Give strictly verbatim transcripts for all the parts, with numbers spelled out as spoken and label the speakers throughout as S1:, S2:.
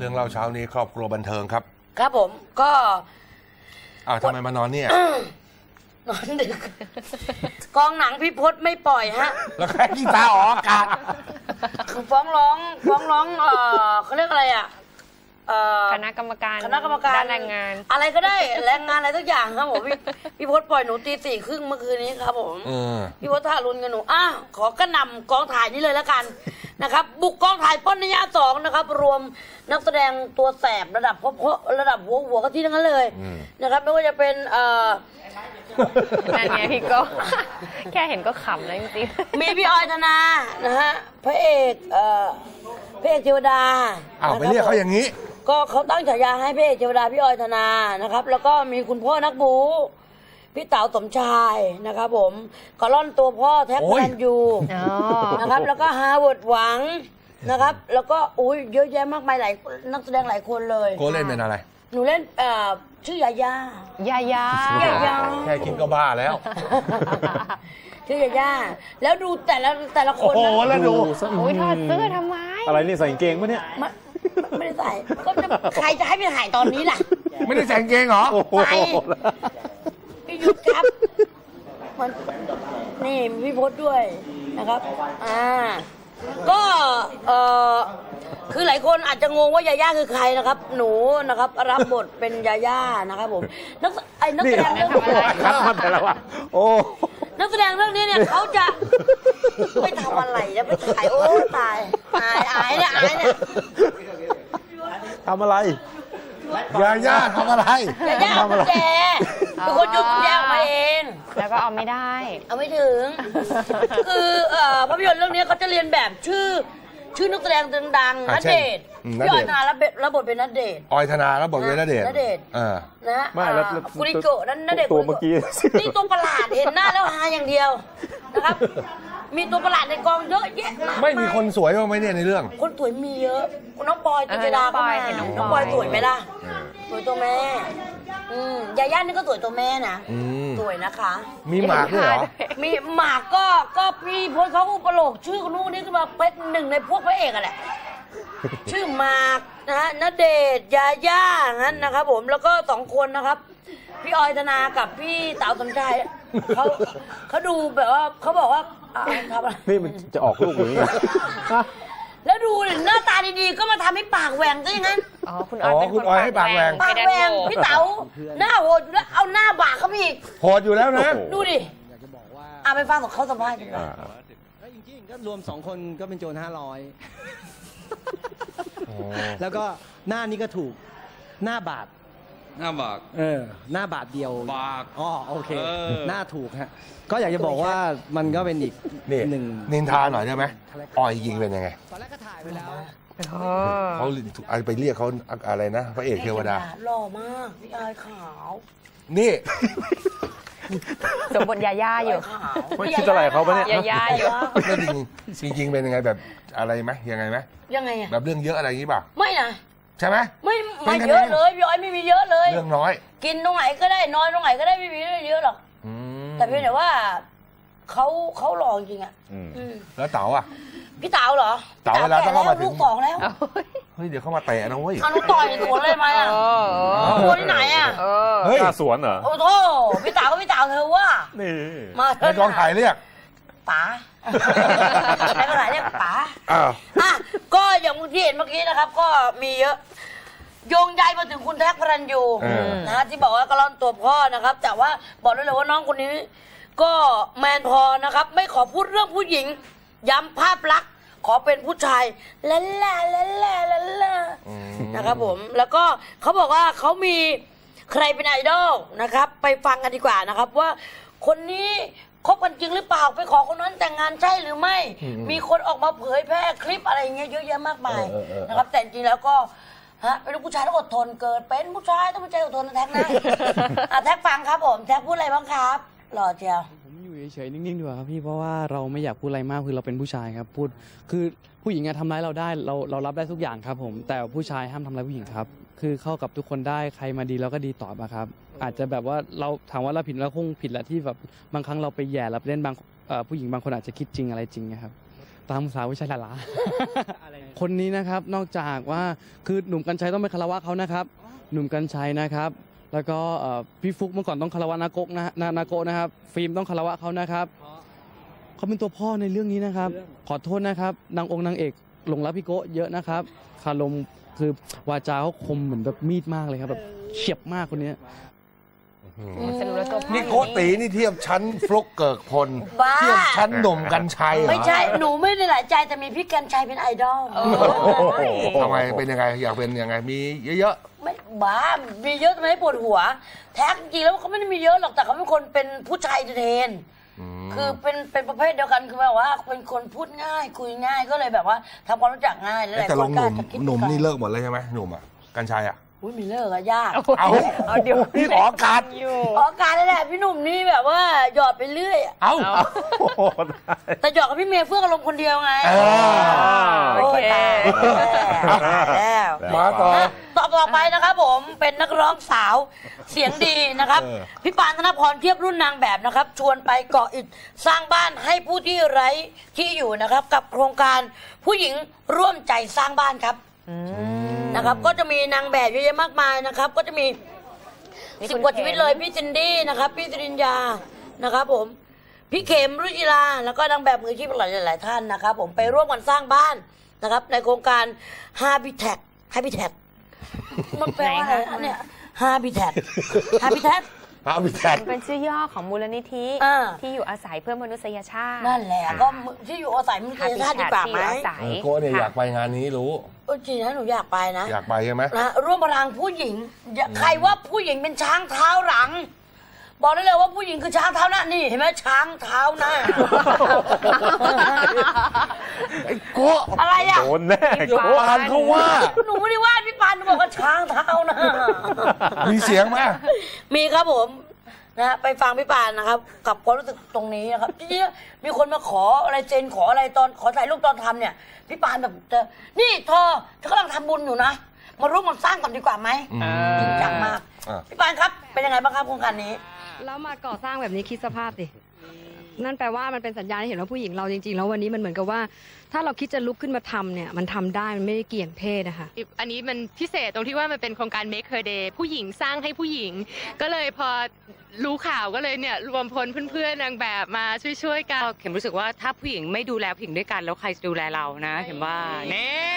S1: รื่องเล่าเช้านี้ครอบครัวบันเทิงครับ
S2: ครับผมก็
S1: อ้าวทำไมมานอนเนี่ย
S2: นอนดึกกองหนังพี่พศไม่ปล่อยฮะ
S1: แล้วใครกีตาร์ออกอากาศ
S2: คือฟ้องร้องฟ้องร้องเออเขาเรียกอะไรอ่ะ
S3: คณะกรรมการ
S2: คณะกรรมการ
S3: ด้านแรงงาน
S2: อะไรก็ได้แรงงานอะไรทุกอย่างครับผมพี่พี่พศปล่อยหนูตีสี่ครึ่งเมื่อคืนนี้ครับผมพี่พศทารุณกับหนูอ่ะขอกระหน่ำกองถ่ายนี้เลยแล้วกันนะครับบุกกองถ่ายป้อนนิยาสองนะครับรวมนักแสดงตัวแสบระดับพพระดับหัวหัวก็ที่ทั้งนั้นเลยนะครับไม่ว่าจะเป็นเอ่อ
S3: นั่นไงพี่ก็แค่เห็นก็ขำแล้วจริง
S2: ๆมีพี่ออยธนานะฮะพระเอกเอ่อพระเอกเทวดา
S1: อ้าวไปเรียกเขาอย่างนี้
S2: ก็เขาตั้งฉายาให้พระเอกเทวดาพี่ออยธนานะครับแล้วก็มีคุณพ่อนักบูพี่เต๋าสมชายนะครับผมกอล่อนตัวพ่อแท็กพลันยูนะครับแล้วก็ฮาร์วาร์ดหวังนะครับแล้วก็อุ้ยเยอะแยะมากมายหลายนักแสดงหลายคนเลย
S1: โกเล่นเป็นอะไร
S2: หนูเล่นเอ่อชื่อยาย่า
S3: ยาย่าย
S2: าย่า
S1: แค่คิดก็บ้าแล้ว
S2: ชื่อยาย่าแล้วดูแต่ละแต่ละคน
S1: โอ้โหแล้วดู
S3: อุ้ยถอดเสื้อทำไม
S4: อะไรนี่ใส่กางเกงปะเนี่ย
S2: ไม่ได้ใส่ก็จะใครจะให้ไปถ่ายตอนนี้ล่ะ
S1: ไม่ได้ใส่กางเกงเหรอ
S2: ใส่พี่ยุทธครับมันนี่พี่พศด้วยนะครับอ่าก็เอ่อคือหลายคนอาจจะงงว่ายาย่าคือใครนะครับหนูนะครับรับบทเป็นยาย่านะครับผมนักไอ้นักแสดงเรื่องอะไร
S4: ครับมาแต่ละวันโอ้
S2: นักแสดงเรื่องนี้เนี่ยเขาจะไปทำอะไรแล้วไปถ่ายโอ้ตายอายอายเนี่ยอายเนี่ย
S4: ทำอะไร
S1: ยาย่าทำอะไร
S2: ยาย่าทำอะไรเป็นคนยุบแย่ออกมาเอง
S3: แล้วก็เอาไม่ได้
S2: เอาไม่ถึงคือภาพยนตร์เรื่องนี้เขาจะเรียนแบบชื่อชื่อนักแสดงดังๆณเดชน์พี่ออยธนารับบทเป็นณเดชน์
S1: ออยธนารับบทเป็นณเดชน์
S2: ณเดชน์นะ
S4: ไม่แล้ว
S2: กุริโกะนั่นณเดชน์
S4: ตัวเมื่อกี้
S2: นี่ตัวประหลาดเห็นหน้าแล้วฮาอย่างเดียวนะครับมีตัวประหลาดในกองเยอะแยะ
S1: ไม่มีคนสวยบ้างไหมเนี่ยในเรื่อง
S2: คนสวยมีเยอะน้องปอยจิตรดาก็มาน้องปอยสวยไหมล่ะสวยตัวแม่อืมยาย่านี่ก็สวยตัวแม่นะสวยนะคะ
S1: มีหมากด้วยเหรอ
S2: มีหมากก็ก็พี่พลเขาอุปโลกชื่อคนนู้นนี่ขึ้นมาเป็นหนึ่งในพวกพระเอกอะแหละชื่อหมากนะฮะณเดชน์ยาย่างั้นนะครับผมแล้วก็สองคนนะครับพี่ออยธนากับพี่เต๋าสมชายเขาเขาดูแบบว่าเขาบอกว่าทำอะไร
S4: นี่มันจะออกลูกหรือ
S2: แล้วดูเนี่ยหน้าตาดีๆก็มาทำให้ปากแหว่งก็อย่างนั้น
S3: อ๋อคุณออยเป็น
S1: คุณออยให้ปากแหว่ง
S2: ปากแหว่งพี่เต๋าหน้าโหดแล้วเอาหน้าบากเขาอีก
S1: โหดอยู่แล้วนะ
S2: ดูดิอ่ะไปฟังของเขาสัมภาษณ์กันก่อน
S5: แล้วจริงๆก็รวมสองคนก็เป็นโจรห้าร้อยแล้วก็หน้านี้ก็ถูกหน้าบาท
S6: หน้าบาก
S5: เออหน้าบาทเดียว
S6: บาก
S5: อ๋อโอเคหน้าถูกฮะก็อยากจะบอกว่ามันก็เป็นอีกหนึ่ง
S1: นินทาหน่อยได้ไหมออยยิงเป็นยังไง
S5: ตอนแรกก็ถ่ายไปแล้ว
S1: เขาไปเรียกเขาอะไรนะพระเอกเทวดา
S2: หล่อมากพี่ออยขาว
S1: นี่
S3: สมบทยาย่าอยู่
S4: ไม่คิดอะไรเขาปะเนี่ย
S3: ยาย่าอยู่
S1: ไม่จริงจริงเป็นยังไงแบบอะไรไหมยังไงไหม
S2: ยังไงอะ
S1: แบบเรื่องเยอะอะไรอย่างนี้ป่ะ
S2: ไม่นะ
S1: ใช่ไหม
S2: ไม่ไม่เยอะเลยพี่ออยไม่มีเยอะเลย
S1: เรื่องน้อย
S2: กินตรงไหนก็ได้นอนตรงไหนก็ได้ไม่มีเยอะหรอกแต่เพียงแต่ว่าเขาเขาหล่อจริงอ่ะ
S1: แล้วเต๋าอ่ะ
S2: พี่เต๋าเหรอ
S1: เต๋าเวลาต้องเข้ามาถึง
S2: ลูกสองแล้ว
S1: เฮ้ยเดี๋ยวเข้ามาเตะนะเว้ย
S2: เอาลูกต่อยสวนเลยไหมอ่ะสวนที่ไหนอ่ะ
S4: เฮ้ยสวนเหรอ
S2: โอ้โหพี่เต๋าก็พี่เต๋าเธอว่า
S4: นี่
S2: มา
S1: ในกองถ่ายเรียก
S2: ป๋าในกองถ่ายเรียกป๋าอ่ะก็อย่างที่เห็นเมื่อกี้นะครับก็มีเยอะโยงใยมาถึงคุณแท็กพลันยูนะฮะที่บอกว่ากระล่อนตัวพ่อนะครับแต่ว่าบอกได้เลยว่าน้องคนนี้ก็แมนพอนะครับไม่ขอพูดเรื่องผู้หญิงย้ำภาพลักษณ์ขอเป็นผู้ชายละล่าละล่าละล่านะครับผมแล้วก็เขาบอกว่าเขามีใครเป็นไอดอลนะครับไปฟังกันดีกว่านะครับว่าคนนี้คบกันจริงหรือเปล่าไปขอคนนั้นแต่งงานใช่หรือไม่มีคนออกมาเผยแพร่คลิปอะไรอย่างเงี้ยเยอะแยะมากมายนะครับแต่จริงแล้วก็ฮะเป็นผู้ชายต้องอดทนเกิดเป็นผู้ชายต้องเป็นใจอดทนแท็กนะแท็กฟังครับผมแท็กพูดอะไรบ้างครับหล่อเจียว
S7: ผมอยู่เฉยๆนิ่งๆดีกว่าครับพี่เพราะว่าเราไม่อยากพูดอะไรมากคือเราเป็นผู้ชายครับพูดคือผู้หญิงทำร้ายเราได้เราเรารับได้ทุกอย่างครับผมแต่ผู้ชายห้ามทำร้ายผู้หญิงครับคือเข้ากับทุกคนได้ใครมาดีเราก็ดีตอบอะครับอาจจะแบบว่าเราถามว่าเราผิดเราคงผิดแหละที่แบบบางครั้งเราไปแย่เราไปเล่นบางผู้หญิงบางคนอาจจะคิดจริงอะไรจริงนะครับตามภาษาผู้ชายหลาๆคนนี้นะครับนอกจากว่าคือหนุ่มกัญชัยต้องไปคารวะเขานะครับ หนุ่มกัญชัยนะครับ แล้วก็เอ่อพี่ฟุกเมื่อก่อนต้องคารวะนาโกะนะนานาโกะนะครับ ฟิล์มต้องคารวะเขานะครับเขาเป็นตัวพ่อในเรื่องนี้นะครับ ขอโทษนะครับนางองค์นางเอกหลงรักพี่โกะเยอะนะครับคารมคือวาจาเขาคมเหมือนแบบมีดมากเลยครับแบบเฉียบมากคนนี้
S3: สรุปแล้วตัวพ่อ
S1: นี่โกตีนี่เทียบชั้นฟลุกเกิกพล
S2: บ้า
S1: เทียบชั้นหนุ่มกัญชัยเหรอ
S2: ไม่ใช่ หนูไม่ได้หลายใจแต่มีพี่กัญชัยเป็นไอดอล
S1: ทำไมเป็นยังไงอยากเป็นยังไงมีเยอะ
S2: ไม่บ้า มีเยอะทำไมให้ปวดหัว แท้จริงๆแล้วเขาไม่ได้มีเยอะหรอกแต่เขาเป็นคนเป็นผู้ชายเทน
S1: ๆอืม
S2: คือเป็นเป็นประเภทเดียวกันคือแบบว่าเป็นคนพูดง่ายคุยง่ายก็เลยแบบว่าทำความรู้จักง่ายแล้วหลาย
S1: แต่
S2: ค
S1: ล
S2: น
S1: ง
S2: ก็
S1: หนุ่
S2: อาม จจะคิด
S1: หนุ่มนี่เลิกหมดเลยใช่ไหมหนุ่มอ่ะกัญชัยอ่ะ
S2: อุ้ยมีเลิกอะยาก
S1: เอา
S3: เอาเดี๋ยว
S1: นี่ออกอากาศ
S3: อยู่
S2: ออกการนั่นแหละพี่หนุ่มนี่แบบว่าหยอดไปเรื่อยอะ
S1: เอา
S4: โอ้โหได้
S2: แต่หยอดกับพี่เมย์เฟื่องอารมณ์คนเดียวไง
S1: เออ
S3: โอเค
S2: ยตายแล้ว
S1: มาต่อ
S2: ต่อต่อไปนะครับผมเป็นนักร้องสาวเสียงดีนะครับ
S1: เออ
S2: พี่ปานธนพรเทียบรุ่นนางแบบนะครับ ชวนไปเกาะอิฐสร้างบ้านให้ผู้ที่ไร้ที่อยู่นะครับ กับโครงการผู้หญิงร่วมใจสร้างบ้านครับนะครับ ก็จะมีนางแบบเยอะแยะมากมายนะครับ ก็จะมี
S3: มี
S2: สิ
S3: คุ
S2: บ
S3: ณ
S2: กว่า
S3: เข็ม
S2: ชีวิตเลยพี่จินดี้นะครับ พี่จริญญานะครับ ผมพี่เข็มรุจิราแล้วก็นางแบบมืออาชีพหลายหลายๆท่านนะครับ ผมไปร่วมกันสร้างบ้านนะครับ ในโครงการ Habitat Habitat มันแปลว่าอะไรอันเนี่ย Habitat Habitat
S1: พระบิแทน
S3: เป็นชื่อย่อของมูลนิธิ
S2: อ่า
S3: ที่อยู่อาศัยเพื่อมนุษยชาติ
S2: นั่นแหละก็ที่อยู่อาศัยมันเป็นชาติดีกว่าไหม
S3: ที่อยู่อาศัย
S1: โก้เนี่ยอยากไปงานนี้รู้
S2: เออจริงนะหนูอยากไปนะ
S1: อยากไปใช่ไหม
S2: นะร่วมพลังผู้หญิงอย่าใครว่าผู้หญิงเป็นช้างเท้าหลัง บอกได้เลยว่าผู้หญิงคือช้างเท้าหน้านี่เห็นไหมช้างเท้าหน้า
S1: ไอ้โก้
S2: อะไรอ่ะ
S4: โดนแน่
S1: เดี๋ยวปานเขาว่า
S2: หนูไม่ได้ว่าพี่ปานหนูบอกว่าช้างเท้าหน้า
S1: มีเสียงไหม
S2: มีครับผมนะไปฟังพี่ปานนะครับ กับความรู้สึกตรงนี้นะครับจริงๆมีคนมาขออะไรเจนขออะไรตอนขอถ่ายรูปตอนทำเนี่ยพี่ปานแบบจะนี่เธอเธอกำลังทำบุญอยู่นะมาร่วมกันสร้างก่อนดีกว่าไหมจริงจังมาก
S1: อ่ะ
S2: พี่ปานครับเป็นยังไงบ้างครับโครงการนี้
S6: แล้วมาก่อสร้างแบบนี้คิดสภาพดินั่นแปลว่ามันเป็นสัญญาณให้เห็นว่าผู้หญิงเราจริงๆ แล้ววันนี้มันเหมือนกับว่า ถ้าเราคิดจะลุกขึ้นมาทำเนี่ยมันทำได้มันไม่ได้เกี่ยงเพศนะคะ
S8: อันนี้มันพิเศษตรงที่ว่ามันเป็นโครงการ Make Her Day ผู้หญิงสร้างให้ผู้หญิง ก็เลยพอรู้ข่าวก็เลยเนี่ยรวมพลเพื่อนๆนางแบบมาช่วยๆกันเข็มรู้สึกว่าถ้าผู้หญิงไม่ดูแลผู้หญิงด้วยกันแล้วใครจะดูแลเรานะเข็มว่าเน่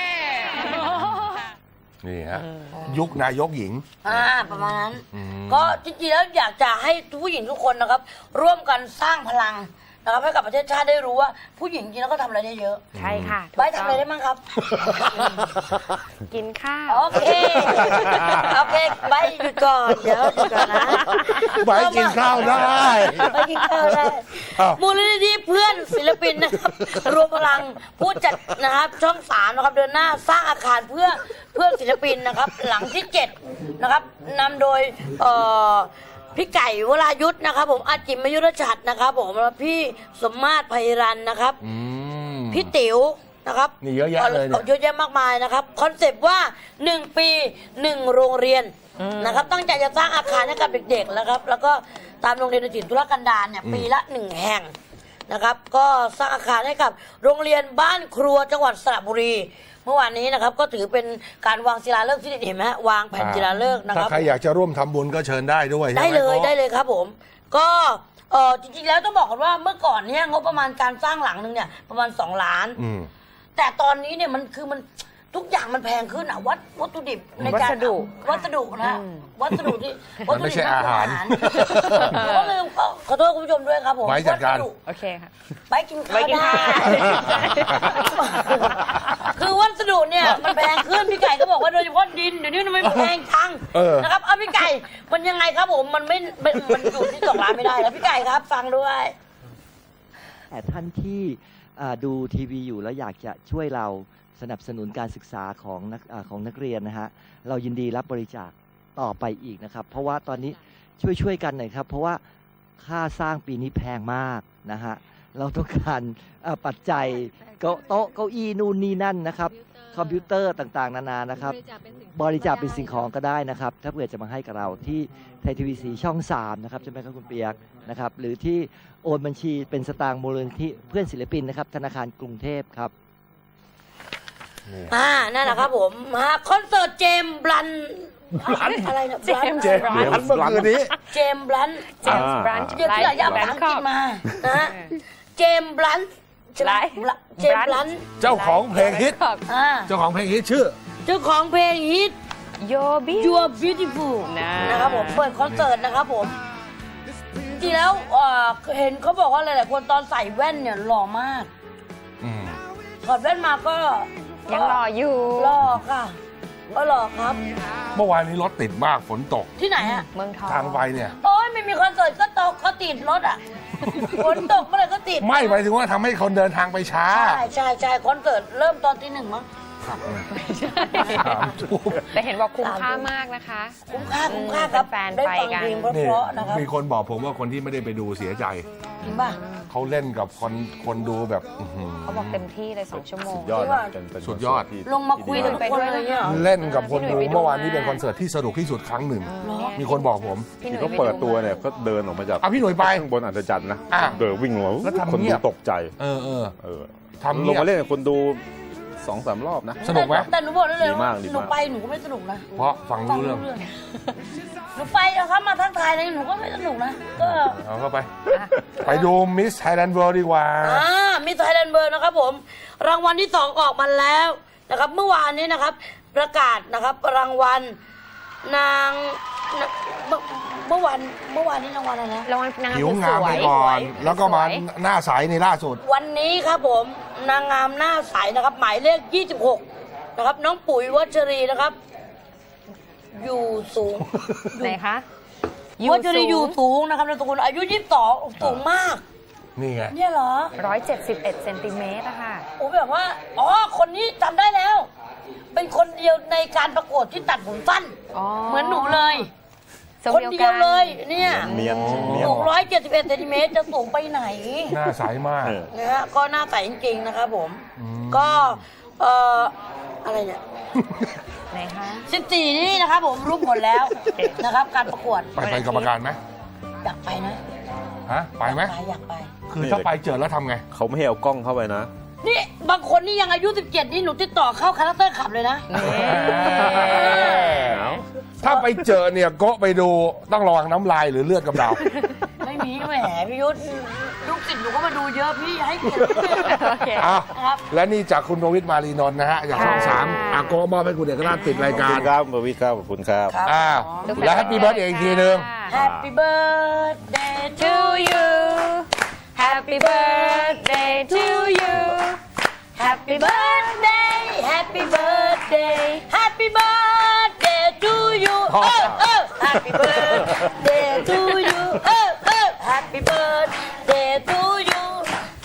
S1: นี่ฮะยุคนายกหญิง
S2: อ่าประมาณนั้น
S1: อืม
S2: ก็จริงๆแล้วอยากจะให้ผู้หญิงทุกคนนะครับ ร่วมกันสร้างพลังนะครับให้กับประเทศชาติได้รู้ว่าผู้หญิงจริงๆแล้วก็ทำอะไรได้เยอะ
S3: ใช่ค่ะถูก
S2: ไว้ทำ
S3: ต้
S2: อะไรได้บ้างครับ
S3: กินข้าว
S2: โอเคโอเคไว้หยุดก่อนเดี๋ยวหยุดก่อนนะ
S1: ไว้กินข้าวได้
S2: ไว้กินข้าวได้
S1: อ้าว
S2: มูลนิธิเพื่อนศิลปินนะครับรวมพลังผู้จัดนะครับช่องสามนะครับเดินหน้าสร้างอาคารเพื่อเพื่อนศิลปินนะครับ หลังที่เจ็ดนะครับนำโดยเอ่อพี่ไก่วรายุทธ์นะครับ ผมอาจิมมยุรชัดนะครับผมแล้วพี่สมมาตรไพรันนะครับ
S1: อืม
S2: พี่ติ๋วนะครับ
S1: นี่เยอะแยะเลยเนี่ย
S2: เยอะแยะมากมายนะครับคอนเซปต์ว่าหนึ่งปีหนึ่งโรงเรียนนะครับตั้งใจจะสร้างอาคารให้กับเด็กๆนะครับ แล้วก็ตามโรงเรียนในถิ่นธุรกันดารเนี่ยปีละหนึ่งแห่งนะครับ ก็สร้างอาคารให้กับโรงเรียนบ้านครัวจังหวัดสระบุรี เมื่อวานนี้นะครับก็ถือเป็นการวางศิลาฤกษ์ที่เห็นไหมฮะวางแผ่นศิลาฤกษ์นะค
S1: ถ้า
S2: รับ
S1: ใครอยากจะร่วมทำบุญก็เชิญได้ด้วยใช่ไหม
S2: ได้เลย
S1: โก้
S2: ได้เลยครับผม ก็เออจริงๆแล้วต้องบอกก่อนว่าเมื่อก่อนเนี่ยงบประมาณการสร้างหลังนึงเนี่ยประมาณสองล้าน
S1: อืม
S2: แต่ตอนนี้เนี่ยมันคือมันทุกอย่างมันแพงขึ้นอ่ะวัตวัตถุดิบในการ
S3: วัสดุ
S2: วัสดุนะวัสดุที่
S1: มันไม่ใช่อาหาร
S2: ก็ลืมขอขอโทษคุณผู้ชมด้วยครับผม
S1: ไว้จัดการ
S2: วัส
S3: โอเคค่ะ
S2: ไว้กินข้าว
S3: ไว้กิน
S2: ได้
S3: ข้าว
S2: คือวัสดุเนี่ยมันแพงขึ้นพี่ไก่ก็บอกว่าโดยเฉพาะดินเดี๋ยวนี้มันไม่แพงจัง
S1: เออ
S2: นะครับเอาพี่ไก่มันยังไงครับผมมันไม่มันมันอยู่ที่สองล้านไม่ได้แล้วพี่ไก่ครับฟังด้วย
S9: แต่ท่านที่อ่าดูทีวีอยู่แล้วอยากจะช่วยเราสนับสนุนการศึกษาของนักอาของนักเรียนนะฮะเรายินดีรับบริจาคต่อไปอีกนะครับ เพราะว่าตอนนี้ช่วยช่วยกันหน่อยครับ เพราะว่าค่าสร้างปีนี้แพงมากนะฮะเราต้องการอ่าปัจจัยเก้าโต๊ะเก้าอี้นู่นนี่นั่นนะครับคอมพิวเตอร์ต่างๆ นานานะครับ บริจาคเป็นสิ่งของก็ได้นะครับ ถ้าเผื่อจะมาให้กับเราที่ไทยทีวีสีช่องสามนะครับใช่ไหมครับคุณเปียกนะครับหรือที่โอนบัญชีเป็นสตางค์มูลนิธิเพื่อนศิลปินนะครับธนาคารกรุงเทพครับ
S2: อ่านั่นแหละครับผมฮะคอนเสิร์ตเจมส์บลันอะไรนะบลัน
S1: เจมส์บลันเมื่อคืนนี้
S2: เจมส์บลัน
S3: เจมส์บรันช์
S2: เดี๋ยวที่ไหนยาวภาษาอังกฤษมานะฮะเจมส์บลันใช่ไหมเจมส์บลัน
S1: เจ้าของเพลงฮิต
S2: อ่า
S1: เจ้าของเพลงฮิตชื่อ
S2: เจ้าของเพลงฮิต
S3: โยบิ
S2: You Are Beautiful
S3: นะ
S2: นะครับผมเปิดคอนเสิร์ตนะครับผมจริงแล้วเอ่อเห็นเขาบอกว่าหลายๆคนตอนใส่แว่นเนี่ยหล่อมาก
S1: อืม
S2: ถอดแว่นมาก็
S3: ยังรออยู่
S2: หล่อค่ะก็หล่อครับ
S1: เมื่อวานนี้รถติดมากฝนตก
S2: ที่ไหนอ่ะ
S3: เมืองทอง
S1: ทางไปเนี่ย
S2: โอ้ยไม่มีคอนเสิร์ตก็ตกก็ติดรถอ่ะ ฝนตกเมื่อไหร่ก็ติด
S1: ไม่หมายถึงว่าทำให้คนเดินทางไปช้า
S2: ใช่ใช่ใช่คอนเสิร์ตเริ่มตอนตีหนึ่งมั้ง
S1: สามทุ่ม
S3: แต่เห็นบอกคุ้มค่ามากนะคะ
S2: คุ้มค่าคุ้มค่าครับ
S3: แฟนๆ
S2: ได้
S3: ไป
S2: ฟัง
S3: กัน
S2: เพลงเพ
S1: นี่
S2: ราะๆนะครับ
S1: มีคนบอกผมว่าคนที่ไม่ได้ไปดูเสียใจ
S2: จริงป่ะ
S1: เขาเล่นกับคนคนดูแบบอื้อหือ
S3: เขาบอกเต็มที่เลยสองชั่วโมง
S4: ยอด
S2: จริงป่ะ
S4: เป็นเป็น
S1: สุดยอด
S4: ที่
S2: ลงมาคุยกับทุกคนเลยเนี่ยเหรอ
S1: เล่นกับคนดู
S3: พี่หนุ่ยไปดู
S1: เมื่อวานนี้
S3: มา
S1: เป็นคอนเสิร์ตที่สนุกที่สุดครั้งหนึ่ง
S2: เหรอ
S1: มีคนบอกผม
S3: พี่ห
S4: ที่
S3: นุ่ย
S4: เขาเปิดตัวเนี่ยก็เดินออกมาจาก
S1: อ่ะพี่หนุ่ยไป
S4: ข้างบนอัศจรรย์นะ
S1: อ่ะ
S4: เดินวิ่งลงมา
S1: แล้วทำ
S4: คน
S1: เงี
S4: ดู
S1: ยบ
S4: ตกใจ
S1: เออเออ
S4: เออ
S1: ทำเงี
S4: ล
S1: ย
S4: ง
S1: บ
S4: มาเล่นกับคนดูสองสามรอบนะ
S1: สนุกไหม
S2: แต่หนูบอกได้เลย
S4: ดีมากดี
S2: หนู
S4: มาก
S2: ไปหนูก็ไม่สนุกนะ
S1: เพราะฟัง
S2: ฟั
S1: รู้เรื่อง
S2: หนูไปเอาครับมาทักทายอะไรหนูก็ไม่สนุกนะ ก็
S1: เอาเข้าไป ไปดูมิสไทยแลนด์เวิลด์ดีกว่า
S2: อ่ามีไทยแลนด์เบิร์นะครับผม รางวัลที่สองออกมาแล้วนะครับ เมื่อวานนี้นะครับ ประกาศนะครับ รางวัลนางนเมื่อเมื่อวานเมื่อวานนี้รางวัลอะไรนะ
S3: รางวัลนางงาม
S1: ผิว
S3: ส
S1: งาม
S3: ว
S1: ไป
S3: ย
S1: ก่อน
S3: สย
S1: แล้วก็มา
S3: สย
S1: หน้าใสในล่าสุด
S2: วันนี้ครับผมนางงามหน้าใสนะครับ หมายเลขยี่สิบหกนะครับ น้องปุ๋ยวัชรีนะครับ อยู่สูง
S3: ไหนคะ
S2: วัชรีอยู่สูงนะครับนามสกุลอายุยี่สิบสองสูงมาก
S1: นี่ไง
S2: เนี่ยเหรอ
S3: ร้อยเจ็ดสิบเอ็ดเซนติเมตรอะค่ะ
S2: โอ้แบบว่า อ๋อ คนนี้จำได้แล้ว เป็นคนเดียวในการประกวดที่ตัดผมสั้น
S3: อ๋อ
S2: เหมือนหนูเลย
S3: ทรง
S2: คน
S3: เดี
S2: เดี
S3: ย
S2: ยว ว
S3: กัน
S2: เลย เนี่ย
S4: เนียนเนียน
S2: สูงร้อยเจ็ดสิบเอ็ดเซนติเมตรจะสูงไปไหน
S1: หน้าใสมาก
S4: เออ
S2: นะฮะ ก็หน้าใสจริงๆนะครับผม
S1: อืม
S2: ก็ เอ่อ อะไรเนี่ย
S3: ไหนคะ
S2: สิบสี่นี่นะครับผมรู้ผลแล้วนะครับ การประกวด
S1: ไปไปนกรรมการไหม
S2: อยากไปนะ
S1: ฮะ ไปไหม
S2: ไปอยากไป
S1: คือถ้าไปเจอแล้วทำไง
S4: เขาไม่ให้เอากล้องเข้าไปนะ
S2: นี่บางคนนี่ยังอายุสิบเจ็ดนี่หนูติดต่อเข้าคาแรคเตอร์ขับเลยนะ
S1: ถ้าไปเจอเนี่ยโกะไปดูต้องระวังน้ำลายหรือเลือดกำเดา
S2: ไม่มีแหมพี่ยุทธลูกศิษย์หนูก็มาดูเยอะพี่ให้เกียรติ
S3: โอเค
S1: อ้าว
S2: ครับ
S1: และนี่จากคุณโรวิทมารีนนท์นะฮะจากช่อง
S3: ค่ะ
S1: สามอาโกะมอบให้คุณเอกราชติดราย
S4: ขอบ
S1: การ
S4: คุณครับบวิทครับขอบคุณครับ
S2: ครับ
S1: อ้าวและแฮปปี้เบิร์ดเองอีกทีนึง
S2: Happy birthday to
S3: to you Happy birthday to you
S2: Happy birthday Happy birthday Happy birthday to you เออเออ Happy birthday to you เอ